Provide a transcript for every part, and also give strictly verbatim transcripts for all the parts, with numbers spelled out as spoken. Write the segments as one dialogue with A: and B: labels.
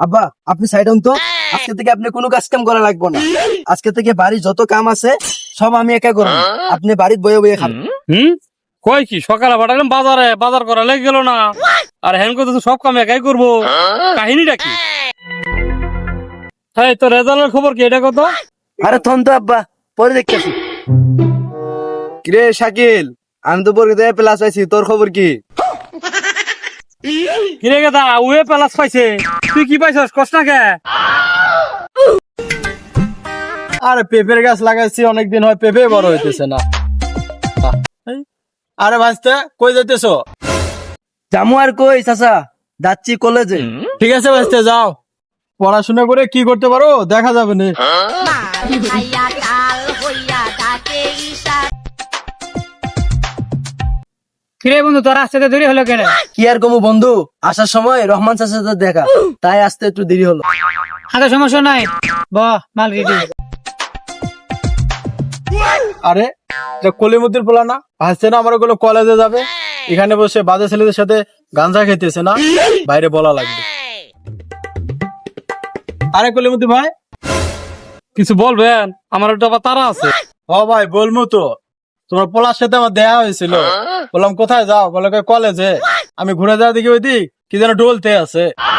A: আব্বা আপনি সাইড হন তো। আজকে থেকে আপনি কোনো কাজ কাম করা লাগবে না। আজকে থেকে বাড়ির যত কাম আছে সব আমি একা করব। আপনি বাড়িতে বয়ে বয়ে খাবেন।
B: হুম কয় কি সকালে পাঠালাম বাজারে, বাজার করা লেগে গেল না, আর হ্যান করতে সব কাম একাই করবো। কাহিনীটা কি? হ্যাঁ, তো রেজাল্টের খবর কি এটা কত?
A: আরে থন তো আব্বা, পরে দেখতেছি। কিরে শাকিল, আমি তো পরীক্ষা প্লাস আইছি, তোর খবর কি?
B: কিরে গেদা, উয়ে প্লাস পাইছে, তুই কি পাইছস কস না কে?
C: আরে পেঁপের গাছ লাগাইছি অনেকদিন হয়, পেঁপে বড় হইতেছে না। আরে ভাইস্তে কই যাইতেছো?
A: জামু আর কই চাচা, যাচ্ছি কলেজে।
C: ঠিক আছে ভাইস্তে যাও, পড়াশোনা করে কি করতে পারো দেখা যাবে না।
B: কিরে বন্ধু, তোর আসতে দেরি হলো কেন?
A: কি আর কমু বন্ধু, আসার সময় রহমান চাচার সাথে দেখা, তাই আসতে একটু দেরি হলো।
B: হাতে সমস্যা নাই, ব মাল রেডি।
C: আরে কলিমুদ্দিন পোলা না ভাইস্তে না, আমার ওগুলো কলেজে যাবে, এখানে বসে বাজে ছেলেদের সাথে গাঞ্জা খেতেছে না, বাইরে বলা লাগবে। আরে কলিমুদ্দিন ভাই,
B: কিছু বলবেন? আমার একটা আবার তারা আছে।
C: ও ভাই বলবো তো, তোমার পোলার সাথে আমার দেখা হয়েছিল। বললাম কোথায় যাও, বলে কয় কলেজে। আমি ঘুরে যাওয়া দেখি ওই দিক কি যেন ডলতে আছে।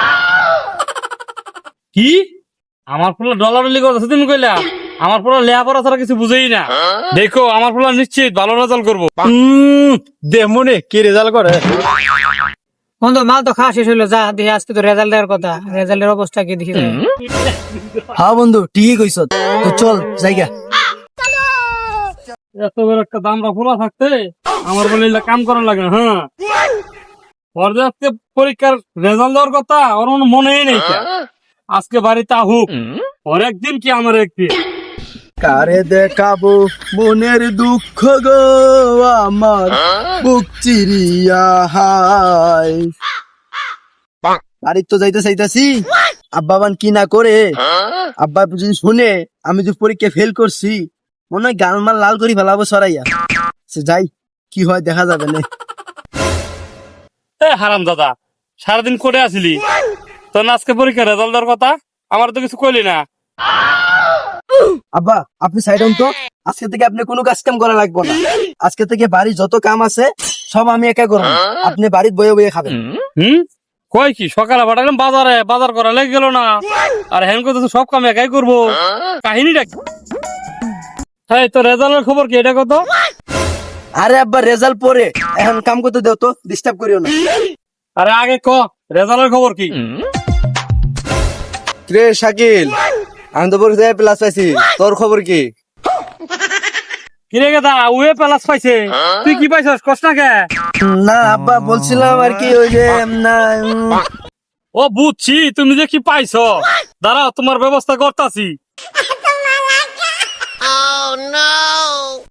B: কি আমার পুরো ডলারলি করতেছে তুমি কইলা? আমার পুরো লেখাপড়া ছাড়া কিছু বুঝেই না। দেখো আমার পুরো নিশ্চিত ভালো রেজাল্ট করবো।
C: হম দেখ মনে কি রেজাল্ট করে।
D: বন্ধু মাল তো খাওয়া শেষ হইলো, যা দেখি আজকে তো রেজাল্ট দেওয়ার কথা, রেজাল্টের অবস্থা কি দেখি।
A: হ্যাঁ বন্ধু ঠিকই কইছ, তো চল জায়গা।
B: এত বড় একটা দামরা খোলা থাকতে আমার বলে এগুলা কাম করা লাগে না। হ্যাঁ, ওর যে আজকে পরীক্ষার রেজাল্ট দেওয়ার কথা ওর কোনো মনেই নেই। আজকে বাড়িতে আহুক, ওর একদিন কি আমার একদিন।
A: কারে দেখাবো মনের দুঃখ গো, আমার বুক চিরিয়া হাই। বাড়ির তো যাইতে চাইতাছি, আব্বা বান কি না করে। আব্বা যদি শুনে আমি যে পরীক্ষা ফেল করছি, মনে হয় গালমাল লাল করি ফেলাবো সরাইয়া। সে যাই, কি হয় দেখা যাবে না।
B: এ হারাম দাদা, সারাদিন করে আসিলি, তোর না আজকে পরীক্ষার রেজাল্ট দেওয়ার কথা, আমার তো কিছু কইলি না।
A: আব্বা আপনি সাইড হন তো। আজকে থেকে আপনি কোনো কাজ কাম করা লাগবে না। আজকে থেকে বাড়ির যত কাম আছে সব আমি একা করবো। আপনি বাড়িতে বয়ে বয়ে খাবেন।
B: হুম কয় কি সকালে পাঠালাম বাজারে, বাজার করা লেগে গেল না, আর হ্যান করতে সব কাম একাই করবো। কাহিনীটা কি? হ্যাঁ, তো রেজাল্টের খবর কি এটা কত?
A: আরে আব্বা রেজাল্ট পরে, এখন কাম করতে দেও তো, ডিস্টার্ব করিও না।
B: আরে আগে ক রেজাল্টের খবর কি?
A: রে শাকিল, আমি তো পরীক্ষায় প্লাস পাইছি, তোর খবর কি?
B: কিরে গেদা, উয়ে প্লাস পাইছে, তুই কি পাইছস কস না কে?
A: না আব্বা বলছিলাম আর কি, ওই যে না উম,
B: ও বুঝছি, তুমি যে কি পাইছো, দাঁড়াও তোমার ব্যবস্থা করতাছি।